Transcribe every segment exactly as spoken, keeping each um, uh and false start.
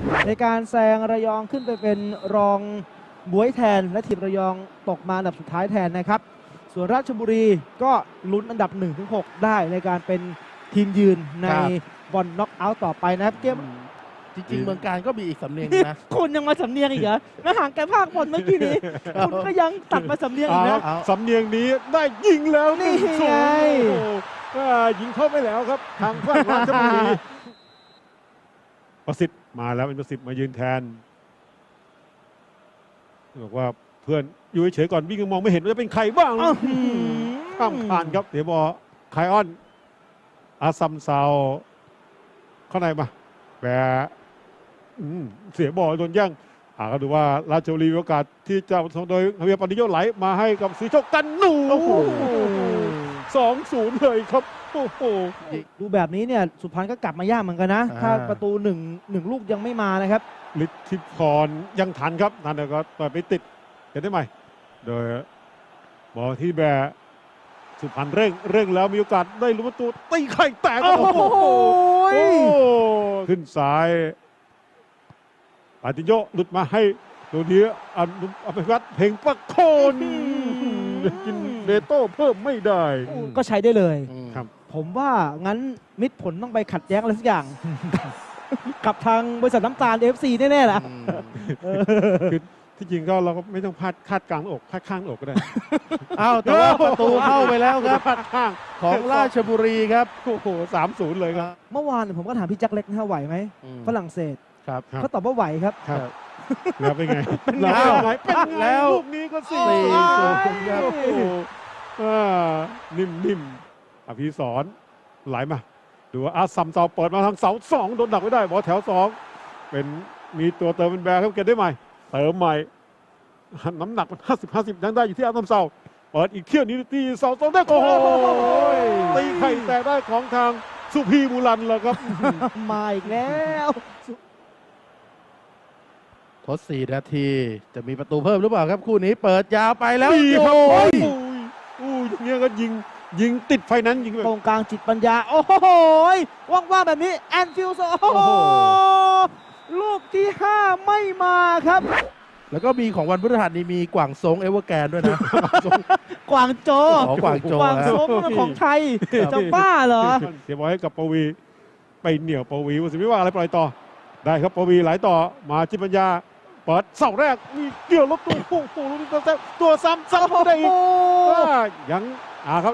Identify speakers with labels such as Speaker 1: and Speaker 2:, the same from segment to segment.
Speaker 1: ในการแซงระยองขึ้นไปเป็นรองบ๊วยแทนและทีมระยองตกมาอันดับสุดท้ายแทนนะครับส่วนราชบุรีก็ลุ้นอันดับ หนึ่งถึงหก ได้ในการเป็นทีมยืนในบอลน็อกเอาท์ต่อไปนะครับเกม
Speaker 2: จริงๆเมืองการก็มีอีกสำเนียงนะ
Speaker 1: คุณยังมาสำเนียงอีกเหรอมาห่างไกลภาคบอลเมื่อกี้นี้คุณก็ยังตัดมาสำเนียงอีกนะ
Speaker 3: สำเนียงนี้ได้ยิงแล้ว
Speaker 1: นี่ไง
Speaker 3: ยิงเข้าไปแล้วครับทางฝั่งราชบุรีประสิทธิ์มาแล้วเป็นประสิทธิ์มายืนแทนบอกว่าเพื่อนอยู่เฉยๆก่อนวิ่งมองไม่เห็นว่าจะเป็นใครบ้างข้ามผ่านครับเดี๋ยวบอลไคออนอาซัมซาวเข้าในมาแปรเสียบอลโดนแย่งหาก็ดูว่าราชบุรีมีโอกาสที่จะส่งโดยเฮียปนิโยไหลมาให้กับสีโชคกันหนูสองศูนย์เลยครับโอ้โห
Speaker 1: ดูแบบนี้เนี่ยสุพรรณก็กลับมายากเหมือนกันนะถ้าประตูหนึ่งหนึ่งลูกยังไม่มานะครับ
Speaker 3: ฤทธิพรยังทันครับทันแต่ก็ต่อยไปติดกันได้ไหมโดยบอลที่แบสุพรรณเร่งเร่งแล้วมีโอกาสได้ลุ้นประตูตีไข่แตกโอ้โหขึ้นซ้ายปาติโยหลุดมาให้ตัวนี้อภิวัตเพลงประโคนกินเบโต้เพิ่มไม่ได้
Speaker 1: ก็ใช้ได้เลย
Speaker 3: ครับ
Speaker 1: ผมว่างั้นมิตรผลต้องไปขัดแย้งอะไรสักอย่างกับทางบริษัทน้ำตาล เอฟ ซี แน่ๆล่ะ
Speaker 3: คือที่จริงก็เราก็ไม่ต้องพลาดคาดกลางอกพลาดข้างอกก็ได้
Speaker 2: อ้าวแต่ว่าประตูเข้าไปแล้วครับ
Speaker 3: พลาดข้าง
Speaker 2: ของราชบุรีครับ
Speaker 3: โอ้โหสามศูนย์เลยครับ
Speaker 1: เมื่อวานผมก็ถามพี่แจ็คเล็กนะไหวไหมฝรั่งเศส
Speaker 2: ครับ
Speaker 1: เขาตอบว่าไหวครับ
Speaker 3: แล้วเป็นไง
Speaker 1: เป็นไง
Speaker 3: เป็นไงแล้วลูกนี้ก็สี่ศูนย์ครับนิ่มๆอภิสรไหลมาดูว่าอาซัมเสาเปิดมาทางเสาสองโดนดักไม่ได้บอลแถวสองเป็นมีตัวเติมเป็นแบร์ครับเก็บได้ใหม่เติมใหม่น้ำหนักมันห้าสิบห้าสิบยังได้อยู่ที่อาซัมเสาเปิดอีกเที่ยวนี้ตีเสาสองได้โอ้โหตีไข่แต่ได้ของทางสุพีบุรันแล้วครับ
Speaker 1: มาอีกแล้ว
Speaker 2: ทดสี่นาทีจะมีประตูเพิ่มหรือเปล่าครับคู่นี้เปิดยาวไปแล้ว
Speaker 3: โอ้ยอู้อย่างเงี้ยก็ยิงยิงติดไฟนั้นยิง
Speaker 1: ตรงกลางจิตปัญญาโอ้โหว่างๆแบบนี้แอนฟิลด์โอ้โหลูกที่ห้าไม่มาครับ
Speaker 2: แล้วก็มีของวันพฤหัสนี้มีกวางซงเอเวอร์แกนด้วยนะ
Speaker 1: กวางโจ
Speaker 2: กวางโจ
Speaker 1: กวางซงของไทยจะบ้าเหรอ
Speaker 3: เสียบอลให้กับปวีไปเหนี่ยวปวีวุฒิวิว่าอะไรปล่อยต่อได้ครับปวีไหลต่อมาจิตปัญญาเปิดเสาแรกมีเกี่ยวลบตัวโอ้โหลูกนี้ตัวตัวซ้ำซ้ำได้อีกยังอ่าครับ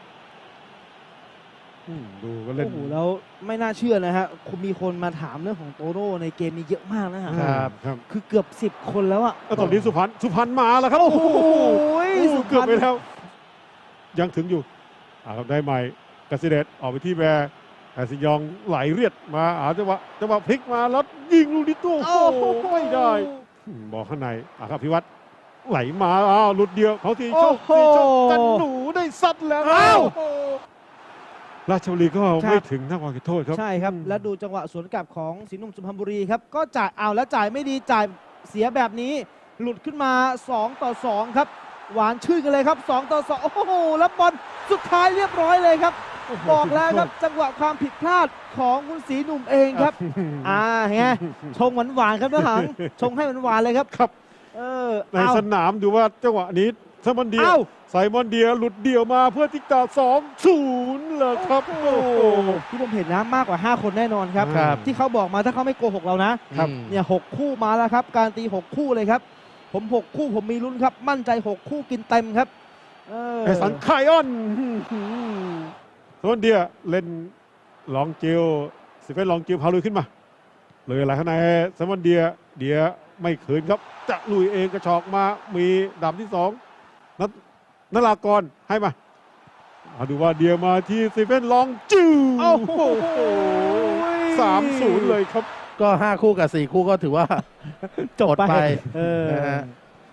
Speaker 3: ดูก็เล่น
Speaker 1: โอ้โหแล้วไม่น่าเชื่อนะฮะคุณมีคนมาถามเรื่องของโตโน่ในเกมนี้เยอะมากนะฮะ
Speaker 3: ครับ
Speaker 1: คือเกือบสิบคนแล้วอะ
Speaker 3: ตอนนี้สุพรรณสุพรรณมาแล้วครับโอ้โหเกือบไปแล้วยังถึงอยู่อ่าครับได้ใหม่กสิเดชออกไปที่แบร์แอซิยองไหลเรียดมาอาจังหวะจังหวะพลิกมาแล้วยิงลูกนี้ตัวโอ้โหไม่ได้บอกข้างในอ่ะครับพิวัตรไหลมาอ้าวหลุดเดียวเขาทีโชคทีโชคกันหนูได้ซัดแล้วอ้าวราชบุรีก็ไม่ถึงนักวางโทษครับ
Speaker 1: ใช่ครับแล้วดูจังหวะสวนกลับของศรีหนุ่มสุพรรณบุรีครับก็จ่ายเอาแล้วจ่ายไม่ดีจ่ายเสียแบบนี้หลุดขึ้นมาสองต่อสองครับหวานชื่นกันเลยครับสองต่อสองโอ้โหแล้วบอลสุดท้ายเรียบร้อยเลยครับบอกแล้วครับจังหวะความผิดพลาดของคุณศรีหนุ่มเองครับอ่าไงชงหวานๆครับนะหังชงให้หวานๆเลยครับ
Speaker 3: ครับ
Speaker 1: เออ
Speaker 3: ในสนามดูว่าจังหวะนี้ไซมอนเดียไซมอนเดียหลุดเดี่ยวมาเพื่อที่จะสองศูนย์เลยครับโอ้โห
Speaker 1: ที่ผมเห็นนะมากกว่าห้าคนแน่นอนครับที่เขาบอกมาถ้าเขาไม่โกหกเรานะเนี่ยหกคู่มาแล้วครับการตีหกคู่เลยครับผมหกคู่ผมมีลุ้นครับมั่นใจหกคู่กินเต็มครับ
Speaker 3: ไอสันไคออนไซมอนเดียเล่นลองจิวสิเฟนลองจิวพาลุยขึ้นมาเลยอะไรข้างในไซมอนเดียเดียไม่ขืนครับจะลุยเองกระชอกมามีดาบที่สองนัทนรากรให้มามาดูว่าเดียมาที่ซีเฟนลองจิ้วโอ้โหสามศูนย์เลยครับ
Speaker 2: ก็ห้าคู่กับสี่คู่ก็ถือว่าจบไปนะฮะ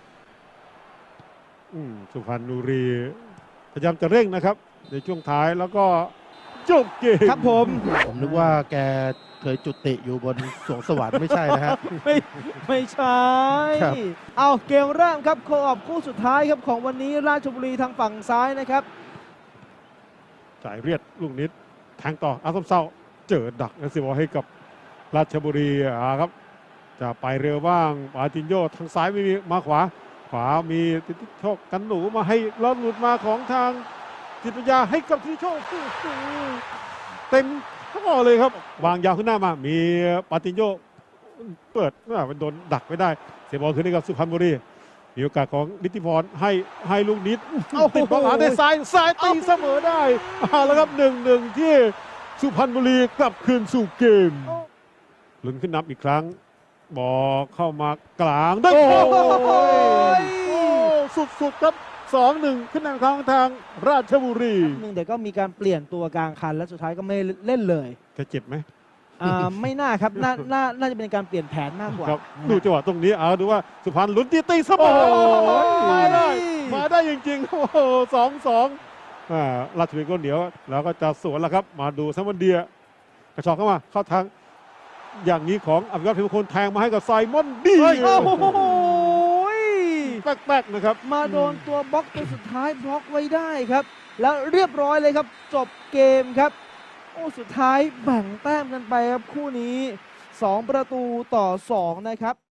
Speaker 3: สุพรรณบุรีพยายามจะเร่งนะครับในช่วงท้ายแล้วก็จบเกม
Speaker 1: ครับผม
Speaker 2: ผมนึกว่าแกเคยจุติอยู่บนสวงสวรรค์ไม่ใช่นะฮะ
Speaker 1: ไม่ไม่ใช่เอาเกมเริ่มครับโคออฟคู่สุดท้ายครับของวันนี้ราชบุรีทางฝั่งซ้ายนะครับ
Speaker 3: จ่ายเรียดลูกนิดแทงต่ออาซัมเซาเจอดักนะสิบอลให้กับราชบุรีอ่าครับจะไปเร็วบ้างปาตินโยทางซ้ายไม่มีมาขวา ขวามีติติโชคกันหนูมาให้แล้วหลุดมาของทางจิตวิญญาให้กับติติโชคเต็มข้อเลยครับวางยาวขึ้นหน้ามามีปาตินโยเปิดมันโดนดักไม่ได้เสียบอลคืนให้กับสุพรรณบุรีมีโอกาสของนิติพรให้ให้ลูกนิดติดบอลหาได้ซ้ายซ้ายตีเสมอได้เอาแล้วครับหนึ่งหนึ่งที่สุพรรณบุรีกลับคืนสู่เกมลุ้นขึ้นนับอีกครั้งบอลเข้ามากลางได้
Speaker 1: โอ้
Speaker 3: โอ้
Speaker 1: ย
Speaker 3: โอ้สุดๆครับ สองหนึ่ง ขึ้นนำครั้งทางราชบุรี
Speaker 1: หนึ่งแต่ก็มีการเปลี่ยนตัวกลางคันและสุดท้ายก็ไม่เล่นเลย
Speaker 3: แกเจ็บไหม
Speaker 1: อ่าไม่น่าครับน่าน่าน่าจะเป็นการเปลี่ยนแผนมากกว่า
Speaker 3: ครับ
Speaker 1: นะฮะ
Speaker 3: ดูจังหวะตรงนี้เอาดูว่าสุพรรณลุ้นที่ตีเสมอ
Speaker 1: โอ้ย
Speaker 3: มาได้ มาได้จริงๆ โอ้โหสองสองอ่าราชบุรีก็เหนียว แล้วก็จะสวนแล้วครับ มาดูซัมวันเดียกระชอกเข้ามา เข้าทางอย่างนี้ของอภิวัตพิมพ์คนแทงมาให้กับไซมอนดี
Speaker 1: โอ้โห
Speaker 3: แป๊กๆนะครับ
Speaker 1: มาโดนตัวบล็อกตัวสุดท้ายบล็อกไว้ได้ครับ แล้วเรียบร้อยเลยครับ จบเกมครับ โอ้สุดท้ายแบ่งแต้มกันไปครับคู่นี้สองประตูต่อสองนะครับ